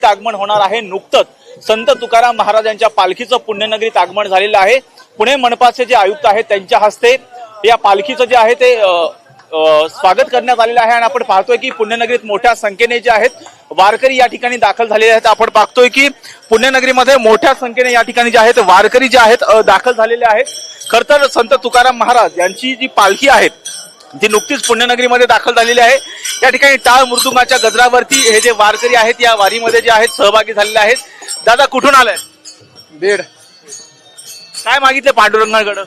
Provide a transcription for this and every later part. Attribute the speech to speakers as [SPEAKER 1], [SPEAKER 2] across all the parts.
[SPEAKER 1] आगमन होणार आहे। नुकतंच संत तुकाराम महाराजांच्या पालखीचं पुण्यनगरीत आगमन झालेलं आहे। पुणे मनपाचे जे आयुक्त आहेत त्यांच्या हस्ते या पालखीचं जे आहे ते स्वागत करण्यात आलेलं आहे। आणि आपण पाहतोय की पुण्यनगरीत मोठ्या संख्येने जे आहेत वारकरी या ठिकाणी दाखल झालेले आहेत। आपण पाहतोय की पुण्यनगरीमध्ये मोठ्या संख्येने या ठिकाणी जे आहेत वारकरी जे आहेत दाखल झालेले आहेत। खरं तर संत तुकाराम महाराज यांची जी पालखी आहे ती नुकतीच पुण्यनगरीमध्ये दाखल झालेली आहे। या ठिकाणी टाळ मृदुंगाच्या गजरावरती हे जे वारकरी आहेत या वारीमध्ये जे आहेत सहभागी झालेले आहेत। दादा कुठून आलाय?
[SPEAKER 2] बीड।
[SPEAKER 1] काय मागितले पांडुरंगाकडे?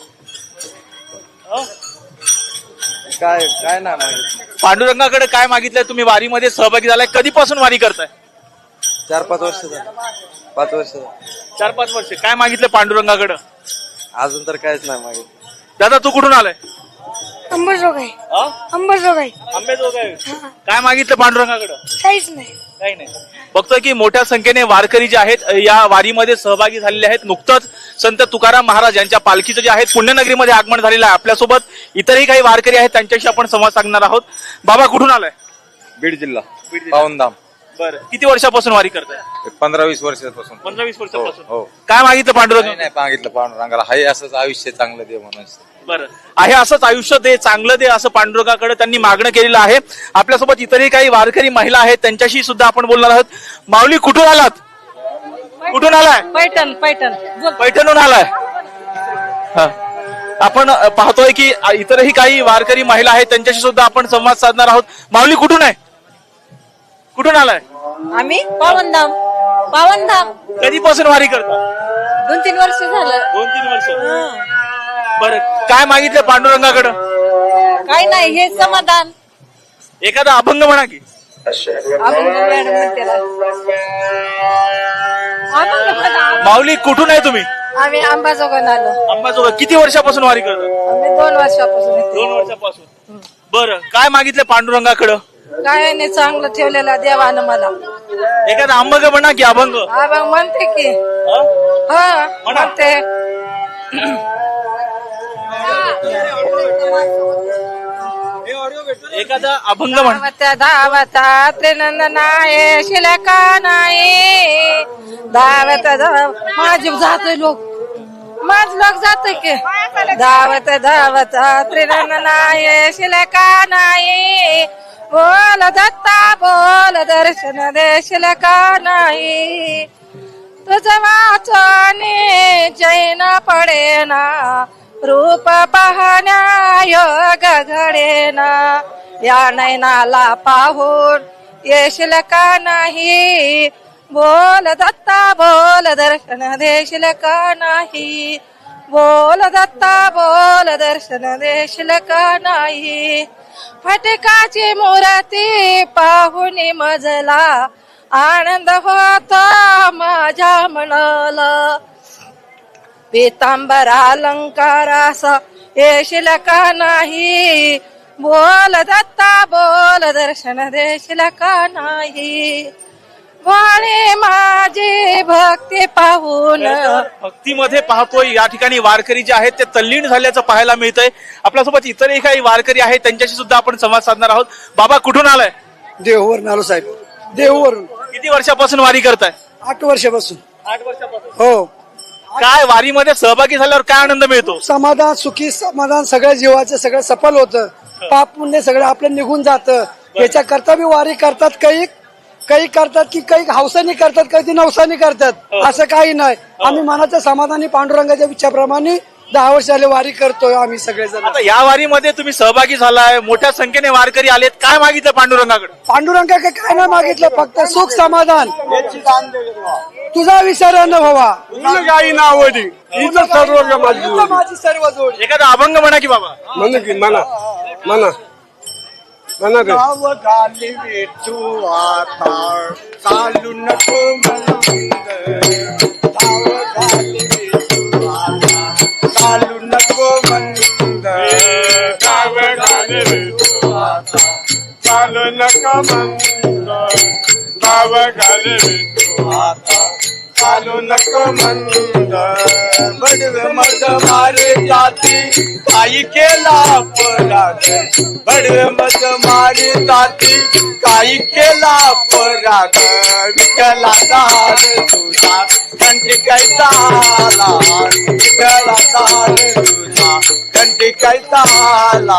[SPEAKER 2] काय ना मागितलं?
[SPEAKER 1] पांडुरंगाकडे काय मागितलंय? तुम्ही वारीमध्ये सहभागी झालाय, कधीपासून वारी करताय?
[SPEAKER 2] 4-5 वर्ष झालं। 5 वर्ष
[SPEAKER 1] 4-5 वर्ष। काय मागितलं पांडुरंगाकडे?
[SPEAKER 2] अजून तर काहीच नाही मागितलं।
[SPEAKER 1] दादा तू कुठून आलाय?
[SPEAKER 3] अंबरजोगाई। अंबरजोगाई।
[SPEAKER 1] आंबेजोगाई। काय मागितलं पांडुरंगाकडे?
[SPEAKER 3] काहीच नाही।
[SPEAKER 1] काही नाही। बघतोय की मोठ्या संख्येने वारकरी जे आहेत या वारीमध्ये सहभागी झालेले आहेत। नुकतंच संत तुकाराम महाराज यांच्या पालखीचं जे आहे पुण्यनगरीमध्ये आगमन झालेलं आहे। आपल्यासोबत इतरही काही वारकरी आहेत, त्यांच्याशी आपण संवाद साधणार आहोत। बाबा कुठून आलाय?
[SPEAKER 2] बीड जिल्हा, पावनधाम।
[SPEAKER 1] बरं, किती वर्षापासून वारी करताय?
[SPEAKER 2] 15-20 वर्षापासून।
[SPEAKER 1] 15-20 वर्षापासून।
[SPEAKER 2] हो।
[SPEAKER 1] काय मागितलं पांडुरंग?
[SPEAKER 2] नाही मागितलं पांडुरंगाला, हाय असंच आयुष्य चांगलं दे म्हणून।
[SPEAKER 1] बरं, आहे असंच आयुष्य दे, चांगलं दे, असं पांडुरंगाकडे त्यांनी मागणं केलेलं आहे। आपल्यासोबत इतरही काही वारकरी महिला आहेत, त्यांच्याशी सुद्धा आपण बोलणार आहोत। माऊली कुठून आलात? कुठून आलाय?
[SPEAKER 4] पैठण।
[SPEAKER 1] पैठणहून आलाय। हा, आपण पाहतोय की इतरही काही वारकरी महिला आहेत, त्यांच्याशी सुद्धा आपण संवाद साधणार आहोत। माऊली कुठून आहे? कुठून आलाय?
[SPEAKER 4] आम्ही पावनधाम।
[SPEAKER 1] कधीपासून वारी करता?
[SPEAKER 4] 2-3 वर्ष झालं।
[SPEAKER 1] 2-3 वर्ष। बरं, काय मागितलं पांडुरंगाकडे?
[SPEAKER 4] काही नाही, हे समाधान।
[SPEAKER 1] एखादा अभंग म्हणा की। माऊली कुठून आहे तुम्ही?
[SPEAKER 4] आम्ही अंबाजोगाईला आलो।
[SPEAKER 1] अंबाजोगाई। किती वर्षापासून वारी करता?
[SPEAKER 4] आम्ही 2 वर्षापासून येतो।
[SPEAKER 1] 2 वर्षापासून। बरं, काय मागितलं पांडुरंगाकडे?
[SPEAKER 4] काय नाही, चांगलं ठेवलेला देवानं मला।
[SPEAKER 1] एखादा अभंग म्हणा की। अभंग
[SPEAKER 4] म्हणते की। म्हणते।
[SPEAKER 1] एखादा अभंग म्हणा।
[SPEAKER 4] धावता त्रिनंदनाय शिलका नाही धावत माझे जातोय लोक, माझ लोक जातोय की। धावत धावत त्रिनंदनाय शिलका नाही बोल दत्ता बोल दर्शन दे शिलका नाही तुझ वाचने जैन पडेना रूप पाहण्या योग घडेना या नैनाला पाहून येशील का नाही बोल दत्ता बोल दर्शन देशील का नाही बोल दत्ता बोल दर्शन देशील का नाही फटकाची मूर्ती पाहून मजला आनंद होता माझ्या मनाला पितांबर अलंकारास येशील का नाही बोल दत्ता बोल दर्शन देशील का नाही वाळे माझी भक्ती पाहून।
[SPEAKER 1] भक्तीमध्ये पाहतोय या ठिकाणी वारकरी जे आहेत ते तल्लीन झाल्याचं पाहायला मिळतंय। आपल्यासोबत इतरही काही वारकरी आहेत, त्यांच्याशी सुद्धा आपण संवाद साधणार आहोत। बाबा कुठून आलाय?
[SPEAKER 5] देहूवरून आलो साहेब। देहूवरून।
[SPEAKER 1] किती वर्षापासून वारी करताय?
[SPEAKER 5] 8 वर्षापासून।
[SPEAKER 1] 8 वर्षापासून।
[SPEAKER 5] हो।
[SPEAKER 1] काय वारीमध्ये सहभागी झाल्यावर काय आनंद मिळतो?
[SPEAKER 5] समाधान, सुखी समाधान, सगळ्या जीवाचं सगळं सफल होतं। पाप पुण्य सगळं आपलं निघून जातं। याच्या करता बी वारी करतात, काही करतात की काही हौसानी करतात, काही नवसानी करतात, असं काही नाही। आम्ही मनाच्या समाधानी पांडुरंगाच्या इच्छाप्रमाणे 10 वर्ष झाले वारी करतोय आम्ही सगळेजण।
[SPEAKER 1] आता या वारीमध्ये तुम्ही सहभागी झालाय, मोठ्या संख्येने वारकरी आलेत, काय मागितलं पांडुरंगाकडे?
[SPEAKER 5] पांडुरंगाकडे काय नाही मागितलं, फक्त सुख समाधान तुझा विसर न व्हावा माझी सर्व जोड।
[SPEAKER 1] एखादा अभंग म्हणा की बाबा।
[SPEAKER 2] म्हणा
[SPEAKER 6] गाव घाली विठू आता चालू नको गाव घाली विठू आता चालू नको मंद गाव घाली विठू आता चालू नको मंद गाव घाली विठू आता चालू नको मंद बडवे मध मारे जाती काही केला अपराध बडवे मध मारे जाती काही केला अपराध विठ्ठलाचा हार तुझा कंठी कैसा आला विठ्ठलाचा हार तुझा कंठी कैसा आला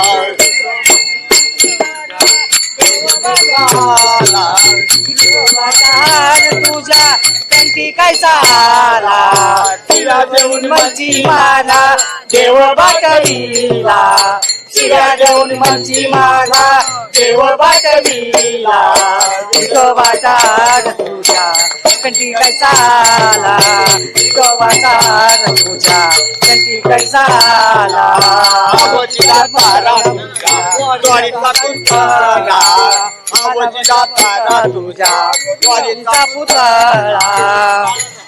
[SPEAKER 4] तुझ्या कंठी काय चाला
[SPEAKER 6] तिला देऊन
[SPEAKER 4] मंची माला देव बाटलीला शिऱ्या देऊन मंची माला देव बाटलीला विठोबाचा तुझ्या कंठी काय चाला विठोबाचा तुझ्या कंठी काय चाला
[SPEAKER 6] आवजीला तारा तुझ्या द्वारीचा पुतळा आवजीला तारा तुझ्या द्वारीचा
[SPEAKER 4] पुतळा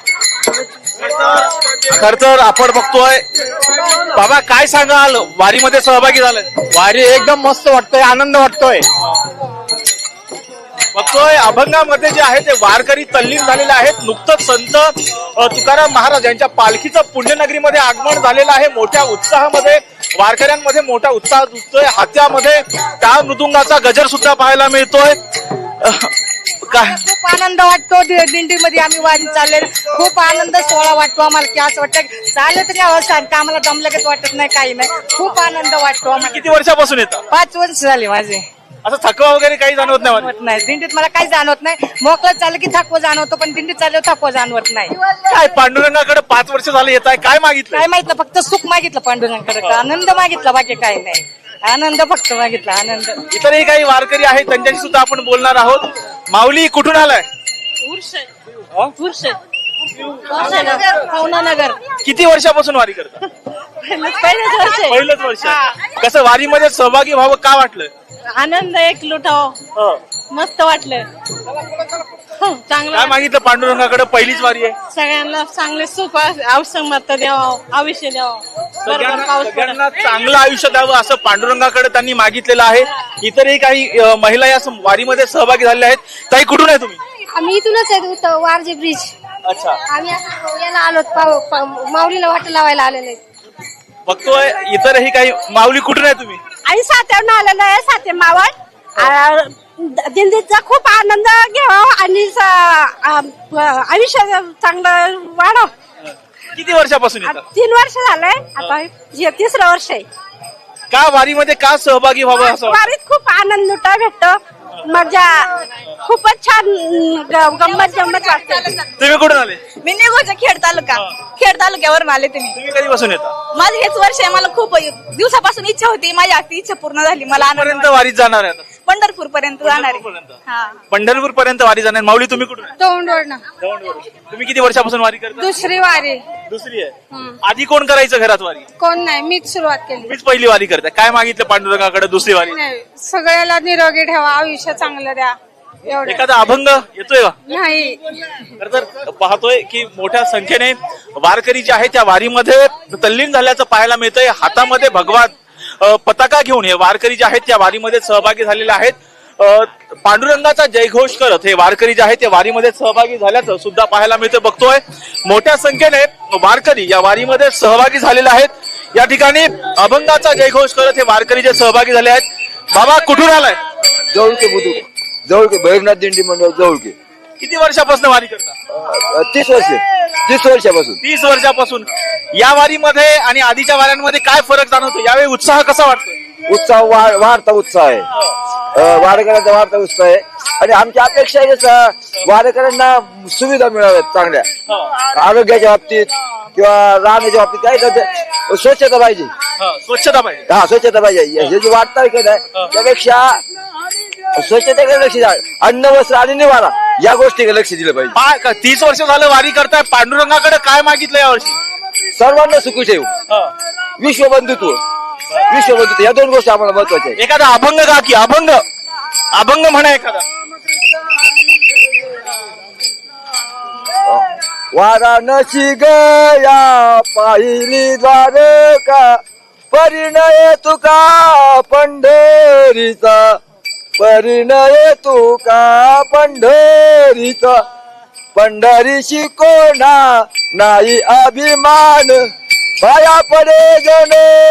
[SPEAKER 1] खर तर आपण बघतोय बाबा काय सांगाल वारीमध्ये सहभागी झालाय
[SPEAKER 5] वारी एकदम मस्त वाटतोय आनंद वाटतोय
[SPEAKER 1] बघतोय अभंगामध्ये जे आहे ते वारकरी तल्लीन झालेले आहेत. नुकतंच संत तुकाराम महाराज यांच्या पालखीचं पुण्यनगरीमध्ये आगमन झालेलं आहे. मोठ्या उत्साहामध्ये वारकऱ्यांमध्ये मोठा उत्साह दिसतोय. हात्यामध्ये टाळ मृदुंगाचा गजर सुद्धा पाहायला मिळतोय. काय
[SPEAKER 4] खूप आनंद वाटतो दिंडीमध्ये आम्ही वारी चालले खूप आनंद सोहळा वाटतो आम्हाला की असं वाटतं चाललं तरी अवस्था आम्हाला दमलगत वाटत नाही काही नाही खूप आनंद वाटतो आम्हाला.
[SPEAKER 1] किती वर्षापासून येतात
[SPEAKER 4] 5 वर्ष झाले माझे.
[SPEAKER 1] असं थकवा वगैरे काही जाणवत नाही
[SPEAKER 4] जाणवत नाही दिंडीत मला काही जाणवत नाही. मोकळं चाललं की थकवा जाणवतो पण दिंडीत चालल्यावर थकवा जाणवत नाही.
[SPEAKER 1] काय पांडुरंगाकडे 5 वर्ष झाले येत आहे काय मागितलं
[SPEAKER 4] काय माहितलं फक्त सुख मागितलं पांडुरंगाकडे आनंद मागितला बाकी काही नाही. आनंद फक्त मागितला आनंद.
[SPEAKER 1] इतरही काही वारकरी आहेत त्यांच्याशी सुद्धा आपण बोलणार आहोत. माऊली कुठून आलाय
[SPEAKER 4] पवनानगर
[SPEAKER 1] किती वर्षापासून वारी करता
[SPEAKER 4] पहिलंच वर्ष आहे.
[SPEAKER 1] पहिलंच वर्ष कसं वारीमध्ये सहभागी व्हावं का वाटलं
[SPEAKER 4] आनंद एक लुटाव मस्त वाटलं. चांगलं
[SPEAKER 1] काय मागितलं पांडुरंगाकडे पहिलीच वारी आहे
[SPEAKER 4] सगळ्यांना चांगले सुख औषध द्यावं आयुष्य द्यावं बरोबर पाऊस पडत
[SPEAKER 1] सगळ्यांना चांगलं आयुष्य द्यावं असं पांडुरंगाकडे त्यांनी मागितलेलं आहे. इतरही काही महिला या वारीमध्ये सहभागी झालेल्या आहेत. ताई कुठून आहे तुम्ही
[SPEAKER 3] आम्ही इथूनच आहे वारजे ब्रिज.
[SPEAKER 1] अच्छा
[SPEAKER 3] आम्ही असं याला आलो माऊलीला वाट लावायला आलेले.
[SPEAKER 1] बघतोय इतरही काही माऊली कुठून आहे तुम्ही
[SPEAKER 4] आणि सात्यावरून आलेलं आहे साते मावळ दिंडीचा खूप आनंद घ्यावा आणि आयुष्य चांगलं वाढव.
[SPEAKER 1] किती वर्षापासून येतात
[SPEAKER 4] 3 वर्ष झालंय आता हे 3रं वर्ष आहे.
[SPEAKER 1] का वारीमध्ये का सहभागी व्हावं असं वाटतं?
[SPEAKER 4] वारीत खूप आनंद लुटा भेटतो मजा खूपच छान गंमत वाटते.
[SPEAKER 1] तुम्ही कुठून आले
[SPEAKER 7] मी निघोच्या खेड तालुक्यावरून आले
[SPEAKER 1] तुम्ही कधीपासून येता
[SPEAKER 7] माझं हेच वर्ष आहे. मला खूप दिवसापासून इच्छा होती माझी आजची इच्छा पूर्ण झाली. मला आनंद
[SPEAKER 1] पर्यंत वारीत जाणार आहे आता
[SPEAKER 7] पंढरपूर पर्यंत जाणार आहे. हा
[SPEAKER 1] पंढरपूर पर्यंत वारी जाणार. माऊली तुम्ही कुठून आहे?
[SPEAKER 3] तोंडवरनं
[SPEAKER 1] दौंडवरून. तुम्ही किती वर्षापासून वारी करता
[SPEAKER 3] 2री वारी.
[SPEAKER 1] दुसरी आहे. आधी कोण करायचं घरात वारी
[SPEAKER 3] कोण नाही मीच सुरुवात केली.
[SPEAKER 1] तुम्हीच पहिली वारी करताय. काय मागितलं पांडुरंगाकडे दुसरी वारी
[SPEAKER 3] नाही सगळ्याला निरोगी ठेवा आयुष्य चांगलं द्या एवढं.
[SPEAKER 1] एखादा अभंग येतोय का
[SPEAKER 3] नाही
[SPEAKER 1] तर पाहतोय की मोठ्या संख्येने वारकरी जे आहे त्या वारीमध्ये तल्लीन झाल्याचं पाहायला मिळतंय. हातामध्ये भगवा पताका घेऊन हे वारकरी जे आहेत त्या वारीमध्ये सहभागी झालेले आहेत. पांडुरंगाचा जयघोष करत हे वारकरी जे आहेत ते वारीमध्ये सहभागी झाल्याचं सुद्धा पाहायला मिळतं. बघतोय मोठ्या संख्येने वारकरी या वारीमध्ये सहभागी झालेले आहेत. या ठिकाणी अभंगाचा जयघोष करत हे वारकरी जे सहभागी झाले आहेत. बाबा कुठून आलाय
[SPEAKER 8] जवळके बुद्रुक जवळके भैरवनाथ दिंडी मंडळ जवळके
[SPEAKER 1] किती वर्षापासून वारी करता
[SPEAKER 8] 30 वर्षापासून
[SPEAKER 1] 30 वर्षापासून. या वारीमध्ये आणि आधीच्या वाऱ्यांमध्ये काय फरक जाणवतो यावेळी उत्साह कसा वाटतो
[SPEAKER 8] उत्साह वाढता उत्साह आहे वारकऱ्यांचा वाढता उत्साह आहे आणि आमची अपेक्षा आहे वारकऱ्यांना सुविधा मिळाव्यात चांगल्या आरोग्याच्या बाबतीत किंवा राहण्याच्या बाबतीत काय स्वच्छता पाहिजे
[SPEAKER 1] स्वच्छता पाहिजे
[SPEAKER 8] स्वच्छता पाहिजे हे जे वाटतं की नाही त्यापेक्षा स्वच्छतेकडे लक्ष द्या अन्न वस्त्र आणि निवारा या गोष्टीकडे लक्ष दिलं पाहिजे.
[SPEAKER 1] 30 वर्ष झालं वारी करताय पांडुरंगाकडे काय मागितलं यावर्षी
[SPEAKER 8] सर्वांना सुखी ठेवू विश्वबंधुत्व या 2 गोष्टी आम्हाला महत्वाच्या आहेत.
[SPEAKER 1] एखादा अभंग गा की अभंग म्हणा एखादा.
[SPEAKER 8] वाराणसी गया पाहिली द्वारका परिणय तुका पंढरीचा परिणय तुका पंढरीचा पंढरीशी कोणा नाही अभिमान पाया पडे जन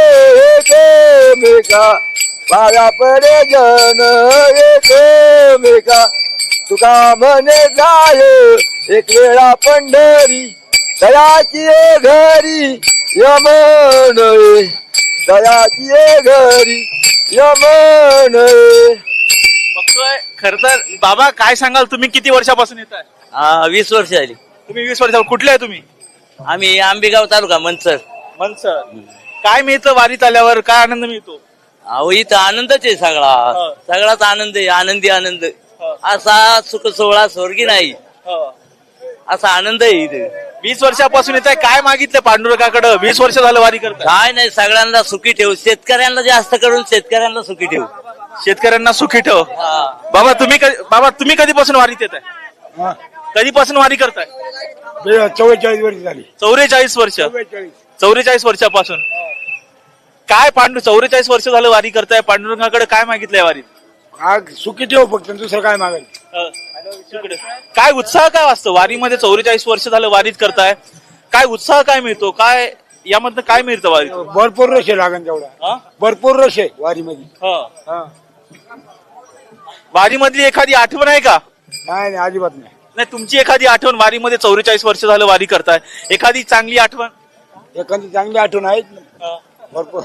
[SPEAKER 8] एकमेका पाया पडे जन एकमेका तुका म्हणे जाय एक वेळा पंढरी दयाची घरी यमन दयाची घरी यमन.
[SPEAKER 1] बघतोय खर तर बाबा काय सांगाल तुम्ही किती वर्षापासून येत आहे?
[SPEAKER 9] 20 वर्ष झाली.
[SPEAKER 1] तुम्ही 20 वर्षापासून कुठले आहे तुम्ही?
[SPEAKER 9] आम्ही आंबेगाव तालुका मनसर.
[SPEAKER 1] मनसर. काय मिळतं वारीत आल्यावर? काय आनंद मिळतो?
[SPEAKER 9] अहो इथं आनंदच आहे सगळा. सगळाच आनंद आहे. आनंदी आनंद. असा सुख सोहळा स्वर्गी नाही असा आनंद आहे इथे.
[SPEAKER 1] 20 वर्षापासून येत आहे. काय मागितलं पांडुरंगाकडे? 20 वर्ष झालं वारी करताय.
[SPEAKER 9] काय नाही सगळ्यांना सुखी ठेव. शेतकऱ्यांना जास्त करून शेतकऱ्यांना सुखी ठेव.
[SPEAKER 1] शेतकऱ्यांना सुखी ठेव. बाबा तुम्ही कधीपासून वारीत येत आहे? कधीपासून वारी करताय?
[SPEAKER 2] 44 वर्ष झाली.
[SPEAKER 1] 44 वर्ष. 44 वर्षापासून काय 44 वर्ष झालं वारी करताय. पांडुरंगाकडे काय मागितलंय वारीत?
[SPEAKER 2] सुखी ठेव फक्त, दुसरं काय मागेल.
[SPEAKER 1] काय उत्साह काय वाटतं वारीमध्ये? 44 वर्ष झालं वारीत करताय. काय उत्साह काय मिळतो? काय यामधनं काय मिळतं वारीत?
[SPEAKER 2] भरपूर रश आहे लागेल तेवढा. भरपूर रश आहे वारीमध्ये.
[SPEAKER 1] वारीमधली एखादी आठवण आहे का?
[SPEAKER 2] नाही अजिबात नाही.
[SPEAKER 1] नाही तुमची एखादी आठवण वारीमध्ये 44 वर्ष झालं वारी करताय, एखादी चांगली आठवण?
[SPEAKER 2] एखादी चांगली आठवण आहे भरपूर.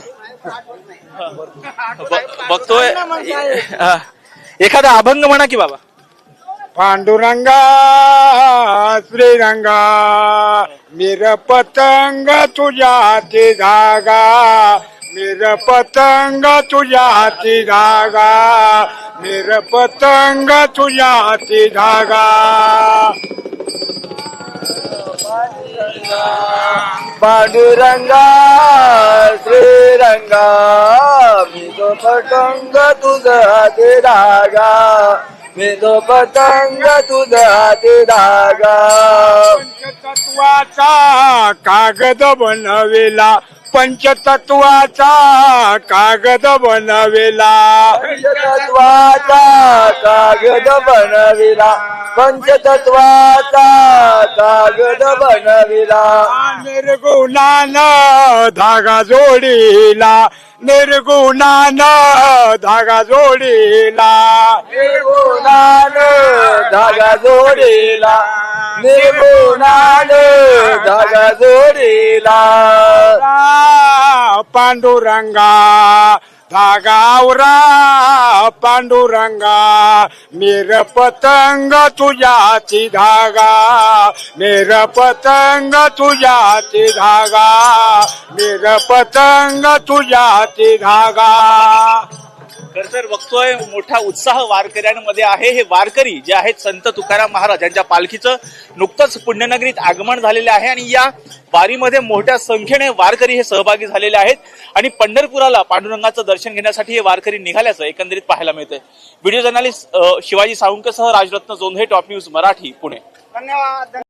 [SPEAKER 1] बघतोय एखादा अभंग म्हणा की बाबा.
[SPEAKER 2] पांडुरंगा श्रीरंगा मेर पतंग तुझ्या हाती धागा मेर पतंग तुझ्या हाती धागा मेर पतंग तुझ्या हाती धागा.
[SPEAKER 8] पांडुरंगा श्रीरंगा मी तो पतंग तुझा हाती धागा मी तो पतंग तुझा हाती धागा.
[SPEAKER 2] पंचतत्वाचा कागद बनवेला पंचतत्वाचा कागद बनवेला
[SPEAKER 8] पंचतत्वाचा कागद बनविला पंचतत्वाचा कागद बनविला.
[SPEAKER 2] निर्गुणानं धागा जोडीला निर्गुणानं धागा जोडीला
[SPEAKER 8] निर्गुणानं धागा जोडीला निर्गुणानं धागा जोडीला.
[SPEAKER 2] पांडुरंगा धागावरा पांडुरंगा मेर पतंग तुझ्या हाती धागा मेर पतंग तुझ्या हाती धागा मेर पतंग तुझ्या हाती धागा.
[SPEAKER 1] खर तर बघतोय मोठा उत्साह वारकऱ्यांमध्ये आहे. हे वारकरी जे आहेत संत तुकाराम महाराज यांच्या पालखीचं नुकतंच पुण्यनगरीत आगमन झालेलं आहे आणि या वारीमध्ये मोठ्या संख्येने वारकरी हे सहभागी झालेले आहेत आणि पंढरपुराला पांडुरंगाचं दर्शन घेण्यासाठी हे वारकरी निघाल्याचं एकंदरीत पाहायला मिळतंय. व्हिडिओ जर्नलिस्ट शिवाजी साळुंकेसह राजरत्न जोंधे, टॉप न्यूज मराठी, पुणे.
[SPEAKER 5] धन्यवाद.